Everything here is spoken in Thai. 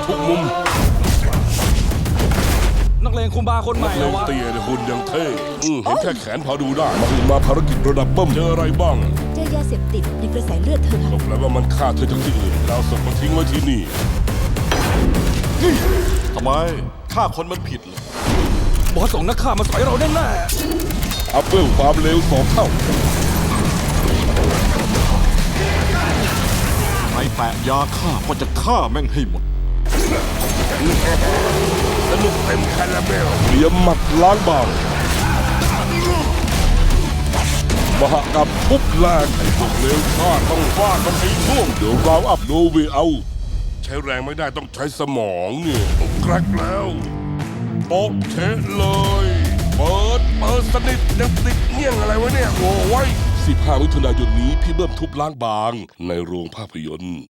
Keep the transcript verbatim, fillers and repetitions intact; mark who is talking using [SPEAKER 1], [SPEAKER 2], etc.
[SPEAKER 1] ทุกมุม
[SPEAKER 2] นักเลงคุมบาคนใหม่
[SPEAKER 1] เล
[SPEAKER 2] แล้ว
[SPEAKER 1] ง
[SPEAKER 2] วะ
[SPEAKER 1] เตี้ยเนี่ยหุ่นยังเท่อืมเห็นแค่แขนพอดูได้มาถึงมาภารกิจระดับเบิ้มเจออะไรบ้าง
[SPEAKER 3] เจอยาเสพติดในกระแสเลือดเธอค่ะ
[SPEAKER 1] ก็แปลว่ามันฆ่าเธอจากที่อื่นแล้วศพมาทิ้งไว้ที่นี่
[SPEAKER 4] ทำไมฆ่าคนมันผิดเหรอบ
[SPEAKER 2] อสส่งนักฆ่ามาสอยเราแน่
[SPEAKER 1] อัพเวลความเร็วสองเท่า
[SPEAKER 4] ใครแตะยาฆ่าก็จะฆ่าแม่งให้หมด
[SPEAKER 1] สนุกเต็มคาราเบลเตรียมหมัดล้างบางมหกรรมทุบแรงไอ้พวกเลวชาติต้องฟาดมันให้น่วงเดี๋ยวเราอัพโนเวเอาใช้แรงไม่ได้ต้องใช้สมองเนี่ยแกรกแล้วโป๊ะเชะเลย เปิดเปิดสนิทยังติดเงี้ยงอะไรวะเนี่ยโอ้ยสิบห้ามิถุนายนนี้พี่เบิ้มทุบล้างบางในโรงภาพยนตร์